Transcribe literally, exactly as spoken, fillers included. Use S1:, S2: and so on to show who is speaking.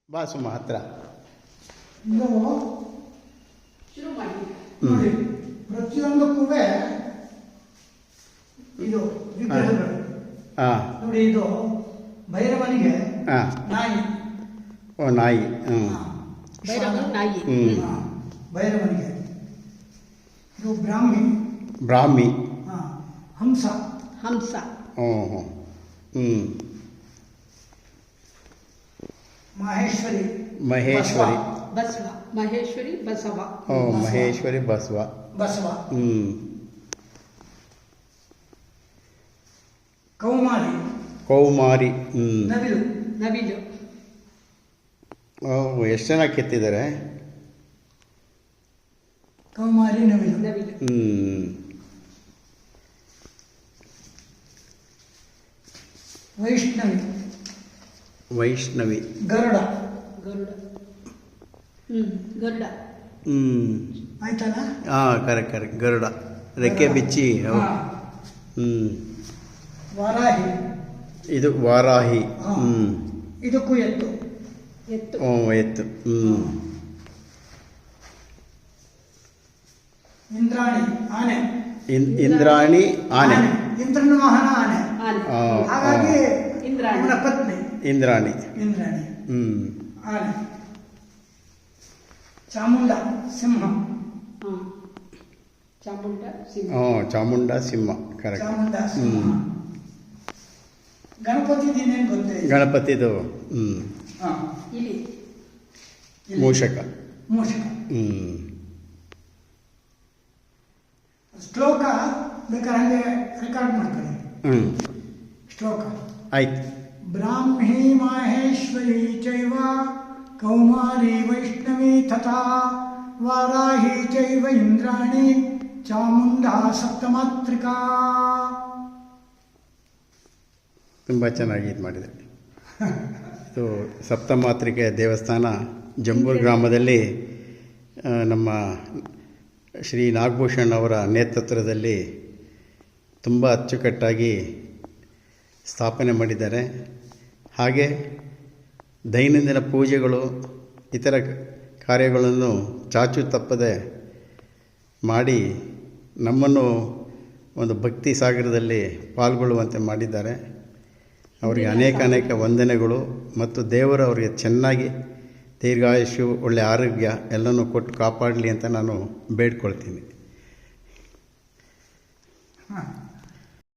S1: ಬಾ ಸುಮ್ಮ ಹತ್ರ
S2: ಇದು ನೋಡಿ ಪ್ರತಿಯೊಂದಕ್ಕೂ ಇದು ವಿಗ್ರಹಗಳು
S1: ಹಾಂ
S2: ನೋಡಿ. ಇದು ಭೈರವನಿಗೆ
S1: ಹಾಂ
S2: ನಾಯಿ.
S1: ಓ ನಾಯಿ. ಹ್ಞೂ
S3: ನಾಯಿ.
S1: ಹ್ಞೂ
S2: ಭೈರವನಿಗೆ. ಇದು ಬ್ರಾಹ್ಮಿ.
S1: ಬ್ರಾಹ್ಮಿ.
S2: ಹಾಂ ಹಂಸ.
S3: ಹಂಸ.
S1: ಹ್ಞೂ ಹ್ಞೂ ಹ್ಞೂ
S2: ಮಹೇಶ್ವರಿ.
S1: ಮಹೇಶ್ವರಿ.
S3: ಬಸವ. ಮಹೇಶ್ವರಿ ಬಸವ.
S1: ಓ ಮಹೇಶ್ವರಿ ಬಸವ.
S2: ಬಸವ.
S1: ಹ್ಞೂ
S2: ಕೌಮಾರಿ.
S1: ಕೌಮಾರಿ. ಹ್ಞೂ
S2: ನವಿಲು.
S3: ನವಿಲು.
S1: ಓ ಎಷ್ಟು ಜನ ಕೆತ್ತಿದ್ದಾರೆ.
S2: ಕೌಮಾರಿ ನವಿಲು.
S3: ನವಿಲು.
S1: ಹ್ಞೂ
S2: ವೈಷ್ಣವಿ.
S1: ವೈಷ್ಣವಿ.
S2: ಗರುಡ.
S3: ಗರುಡ. ಹ್ಞೂ ಗರುಡ.
S1: ಹ್ಞೂ
S2: ಆಯ್ತಲ್ಲ.
S1: ಹಾಂ ಕರೆಕ್ಟ್ ಕರೆಕ್ಟ್ ಗರುಡ ರೆಕ್ಕೆ ಬಿಚ್ಚಿ. ಹೌದು.
S2: ಹಾಂ.
S1: ಹ್ಞೂ
S2: ವಾರಾಹಿ.
S1: ಇದು ವಾರಾಹಿ.
S2: ಹಾಂ.
S1: ಹ್ಞೂ
S2: ಇದಕ್ಕೂ ಎತ್ತು.
S3: ಎತ್ತು.
S1: ಓ ಎತ್ತು. ಹ್ಞೂ
S2: ಇಂದ್ರಾಣಿ ಆನೆ.
S1: ಇನ್ ಇಂದ್ರಾಣಿ ಆನೆ.
S2: ಇಂದ್ರನ ವಾಹನ ಆನೆ.
S3: ಆನೆ.
S1: ಆ,
S2: ಹಾಗಾಗಿ
S3: ಇಂದ್ರಾಣಿ.
S2: ಅವನ ಪತ್ನಿ
S1: ಇಂದ್ರಾಣಿ.
S2: ಇಂದ್ರಾಣಿ
S1: ಹ್ಞೂ
S2: ಆನೆ. ಚಾಮುಂಡ ಸಿಂಹ.
S3: ಹಾಂ ಚಾಮುಂಡ ಸಿಂಹ.
S1: ಹ್ಞೂ ಚಾಮುಂಡ ಸಿಂಹ ಕರೆಕ್ಟ್.
S2: ಚಾಮುಂಡ ಸಿಂಹ.
S1: ಹ್ಞೂ
S2: ಗಣಪತಿ ದಿನೇನು ಗೊತ್ತೇ?
S1: ಗಣಪತಿದು. ಹ್ಞೂ
S2: ಹಾಂ.
S3: ಇಲಿ.
S2: ಇಲ್ಲಿ.
S1: ಮೂಷಕ.
S2: ಮೂಷಕ.
S1: ಹ್ಞೂ
S2: ಶ್ಲೋಕ ಬೇಕಾದ್ರೆ ಹಂಗೆ ರೆಕಾರ್ಡ್ ಮಾಡ್ಕೊಳ್ಳಿ.
S1: ಹ್ಞೂ
S2: ಶ್ಲೋಕ.
S1: ಆಯ್ತು.
S2: ಬ್ರಾಹ್ಮೀ ಮಾಹೇಶ್ವರಿ ಚೈವ ಕೌಮಾರಿ ವೈಷ್ಣವಿ ತಥಾ ವಾರಾಹಿ ಚೈವ ಇಂದ್ರಾಣಿ ಚಾಮುಂಡಾ ಸಪ್ತಮಾತ್ರಿಕಾ.
S1: ತುಂಬ ಚೆನ್ನಾಗಿ ಇದು ಮಾಡಿದೆ. ಇದು ಸಪ್ತಮಾತ್ರಿಕೆ ದೇವಸ್ಥಾನ ಜಂಬೂರು ಗ್ರಾಮದಲ್ಲಿ ಆ, ನಮ್ಮ ಶ್ರೀ ನಾಗಭೂಷಣ್ ಅವರ ನೇತೃತ್ವದಲ್ಲಿ ತುಂಬ ಅಚ್ಚುಕಟ್ಟಾಗಿ ಸ್ಥಾಪನೆ ಮಾಡಿದ್ದಾರೆ. ಹಾಗೆ ದೈನಂದಿನ ಪೂಜೆಗಳು ಇತರ ಕಾರ್ಯಗಳನ್ನು ಚಾಚು ತಪ್ಪದೆ ಮಾಡಿ ನಮ್ಮನ್ನು ಒಂದು ಭಕ್ತಿ ಸಾಗರದಲ್ಲಿ ಪಾಲ್ಗೊಳ್ಳುವಂತೆ ಮಾಡಿದ್ದಾರೆ. ಅವರಿಗೆ ಅನೇಕ ಅನೇಕ ವಂದನೆಗಳು ಮತ್ತು ದೇವರು ಅವರಿಗೆ ಚೆನ್ನಾಗಿ ದೀರ್ಘಾಯುಷ್ಯು ಒಳ್ಳೆಯ ಆರೋಗ್ಯ ಎಲ್ಲನೂ ಕೊಟ್ಟು ಕಾಪಾಡಲಿ ಅಂತ ನಾನು ಬೇಡ್ಕೊಳ್ತೀನಿ.
S2: ಹಾಂ.